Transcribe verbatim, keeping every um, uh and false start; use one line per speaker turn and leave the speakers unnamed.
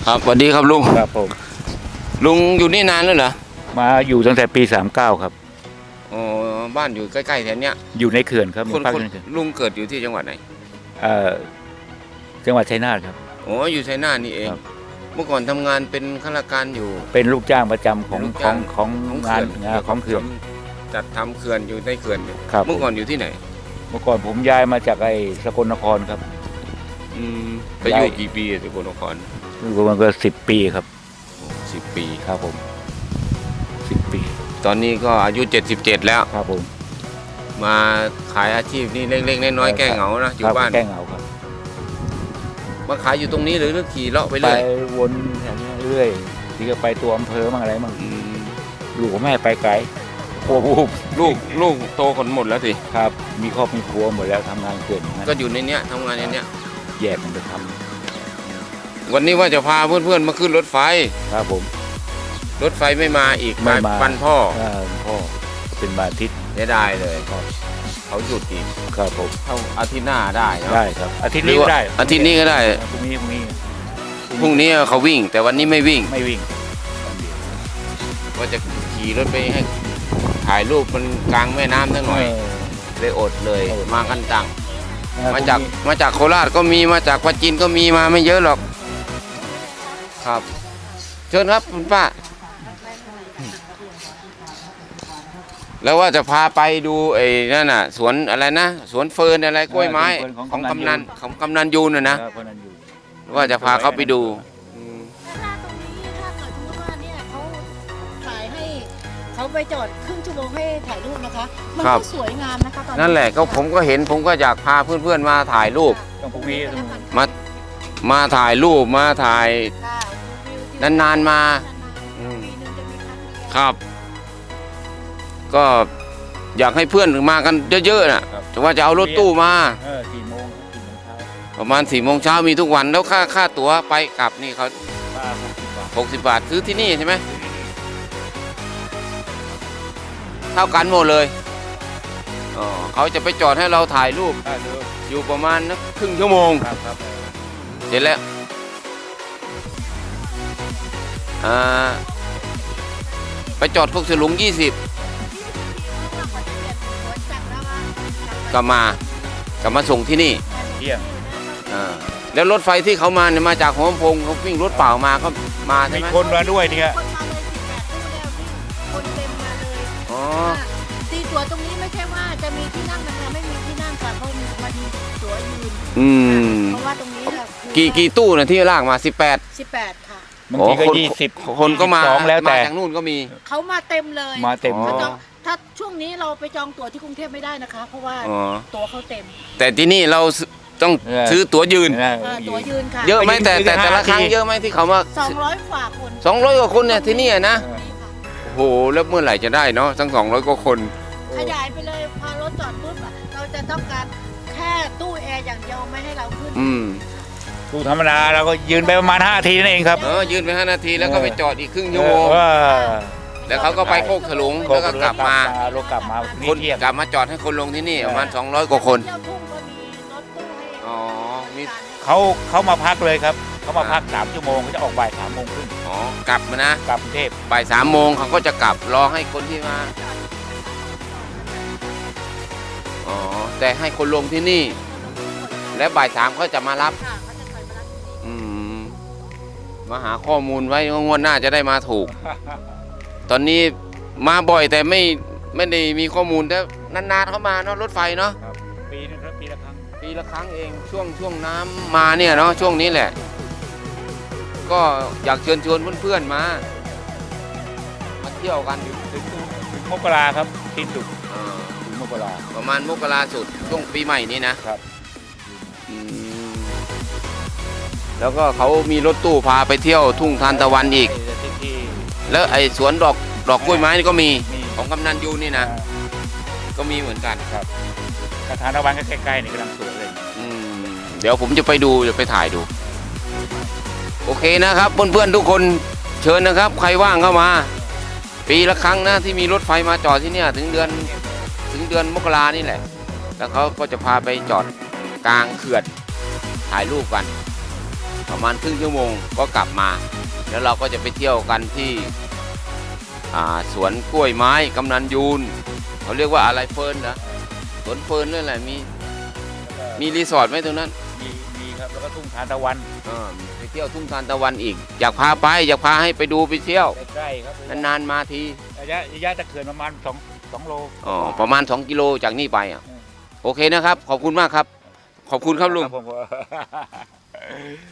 ครับสวัสดีครับลุง
ครับผม
ลุงอยู่นี่นานแล้วเหรอ
มาอยู่ตั้งแต่ปีสามเก้าครับ
อ๋อบ้านอยู่ใกล้ๆแถวเนี้ย
อยู่ในเขื่อนครับ
คนคน
ภาคในเขื่อน
ลุงเกิดอยู่ที่จังหวัดไหน
เอ่อจังหวัดชัยนาทครับ
อ๋ออยู่ชัยนาทนี่เองเมื่อก่อนทำงานเป็นข้าราชการอยู่
เป็นลูกจ้างประจำของของของงานงานของเขื่อน
จัดทำเขื่อนอยู่ในเขื่อน
ครับ
เมื่อก่อนอยู่ที่ไหน
เมื่อก่อนผมย้ายมาจากไอ้สกลนครครับ
อืมไปอยู่กี่ปีสกลนคร
อยู่ประมาณก็สิบปีครับ
สิบปี
ครับผมสิบปี
ตอนนี้ก็อายุเจ็ดสิบเจ็ดแล้ว
ครับผม
มาขายอาชีพนี่เล็กๆน้อยๆแก้เหงานะอยู่บ้าน
แก้เหงาครับ
มาขายอยู่ตรงนี้หรือขี่เลาะไปเรื่อย
ไปวนแถวนี้เรื่อยที่ก็ไปตัวอำเภอมั่งอะไรมั่งลูกแม่ไปไกลครัวลูก
ลูกลูกโตคนหมดแล้วสิ
ครับมีครอบมีครัวหมดแล้วทำงานเกิน
ก็อยู่ในเนี้ยทำงานในเนี้ย
แยกกันไปท
ำวันนี้ว่าจะพาเพื่อนๆมาขึ้นรถไฟ
ครับผม
รถไฟไม่มาอีกมาปันพ่อ
พ่อเป็นบาทิตย์
ได้ได้เลยเขาหยุดอีก
ครับผม
เท่าอาทิตย์หน้าได้
ได้ครับอาทิตย์นี้ก็ได้
อาทิตย์นี้ก็ได้
พรุ่งนี้พรุ่งนี้
พรุ่งนี้เขาวิ่งแต่วันนี้ไม่วิ่ง
ไม่วิ่ง
ว่าจะขี่รถไปให้ถ่ายรูปมันกลางแม่น้ำสักหน่อยเลยอดเลยมากันจังมาจากมาจากโคราชก็มีมาจากปัจจินก็มีมาไม่เยอะหรอกครับเชิญครับคุณป้าแล้วว่าจะพาไปดูไอ้นั่นน่ะสวนอะไรนะสวนเฟิร์นอะไรกล้วยไม้ของกำนันของกำนันยูนน่ะนะว่าจะพาเขาไปดู
เขาไปจอดครึ่งชั่วโมงให้ถ่ายรูปนะคะมันก็สวยงามนะคะตอน
นั่นแหละก็ผมก็เห็นผมก็อยากพาเพื่อนๆมาถ่ายรูปมามาถ่ายรูปมาถ่ายนานๆมาครับก็อยากให้เพื่อนมากันเยอะๆน่ะแต่ว่าจะเอารถตู้มาประมาณสี่โมงเช้ามีทุกวันแล้วค่าค่าตั๋วไปกลับนี่เขาหกสิบบาทซื้อที่นี่ใช่ไหมเท่ากันหมดเลยอ๋อเขาจะไปจอดให้เราถ่ายรูปอยู่ประมาณนักครึ่งชั่วโมงเสร็จแล้วอ่าไปจอดพวกสลุงยี่สิบกลับมากลับมาส่งที่นี่
เที่ยง
อ่าแล้วรถไฟที่เขามาเนี่ยมาจากหัวลำโพงเขาวิ่งรถเปล่ามาก็มาใช่ไหม
มีคนมาด้วยเนี่ย
คนเต็มมาเลย
อ๋อ
ตีตั๋วตรงนี้ไม่ใช่ว่าจะมีที่นั่งนะคะไม่มีที่นั่งค่ะเพราะมันตั๋วยืน
อืม
เพราะว่าตรงนี้
กี่กี่ตู้นะที่ลากมาสิบแปด
สิบแปดค่ะ
บางทีก็ยี่สิบ
คนก็มา
แล้วแต่
จากนู่นก็มี
เขามาเต็มเลย
มาเต็ม
ถ้าช่วงนี้เราไปจองตั๋วที่กรุงเทพไม่ได้นะคะเพราะว่าตั๋วเขาเต็ม
แต่ที่นี่เราต้องซื้อตั๋วยืน
ตั๋วยืนค่ะ
เยอะไหมแต่แต่แต่ละครั้งเยอะไหมที่เขามา
สองร้อยกว่าคน
สองร้อยกว่าคนเนี่ยที่นี่นะโอ้โหแล้วเมื่อไหร่จะได้เนาะทั้งสองร้อยกว่าคน
ขยายไปเลยพอรถจอดปุ๊บเราจะต้องการแค่ตู้แอร์อย่างเดียวไม่ให้เราขึ้น
อืม
ตู้ธรรมดาเราก็ยืนไปประมาณห้านาทีนั่นเองครับ
เออยืนไปห้านาทีแล้วก็ไปจอดอีกครึ่งชั่วโมงแล้วเขาก็ไปโคกถลุงแล้วก็กลับมา
ลงกลับมา
คนกลับมาจอดให้คนลงที่นี่ประมาณสองร้อยกว่าคนอ๋อมี
เขาเขามาพักเลยครับเขามาพักสามชั่วโมงเขาจะออกบ่ายสามโมงครึ่ง
อ๋อกลับมานะ
กลับกรุงเทพ
บ่ายสามโมงเขาก็จะกลับรอให้คนที่มาอ๋อแต่ให้คนลงที่นี่และบ่ายสามเขาจะมารับอืมมาหาข้อมูลไว้งวดหน้าจะได้มาถูกตอนนี้มาบ่อยแต่ไม่ไม่ได้มีข้อมูลแต่นานๆเขามาเนาะรถไฟเนาะ
ปีนึงครับปีละครั้ง
ปีละครั้งเองช่วงช่วงน้ำมาเนี่ยเนาะช่วงนี้แหละก็อยากเชิญชวนเพื่อนๆมามาเที่ยวกัน
ถึงถึงมกราครับสิ้นสุดถึงมกรา
ประมาณมกราสุดช่วงปีใหม่นี้นะครับแล้วก็เขามีรถตู้พาไปเที่ยวทุ่งทานตะวันอีกแล้วไอ้สวนดอกดอกกล้วยไม้นี่ก็มีของกำนันยูนี่นะก็มีเหมือนกัน
ครับกระถางตะวันก็ใกล้ๆนี่กำลังสวยเลย
เดี๋ยวผมจะไปดูจะไปถ่ายดูโอเคนะครับเพื่อนๆทุกคนเชิญนะครับใครว่างเข้ามาปีละครั้งนะที่มีรถไฟมาจอดที่เนี่ยถึงเดือนถึงเดือนมกรานี่แหละแล้วเขาก็จะพาไปจอดกลางเขื่อนถ่ายรูปกันประมาณครึ่งชั่วโมงก็กลับมา แล้วเราก็จะไปเที่ยวกันที่อ่าสวนกล้วยไม้กำนันยูนเขาเรียกว่าอะไรเฟิร์นนะสวนเฟิร์นนั่นแหละมีมีรีสอร์ทไหมตรงนั้น
มีมีครับแล้วก็ทุ่งทานตะวัน
อ่าไปเที่ยวทุ่งทานตะวันอีก อยากพาไปอยากพาให้ไปดูไปเที่ยว
ใกล้ๆครับ
นานๆมาที
ระยะระยะตะเขื่อนประมาณสองสองโล
อ๋อประมาณสองกิโลจากนี่ไปอ่ะ
อืม
โอเคนะครับ ขอบคุณมากครับ ขอบคุณครับลุง
ผม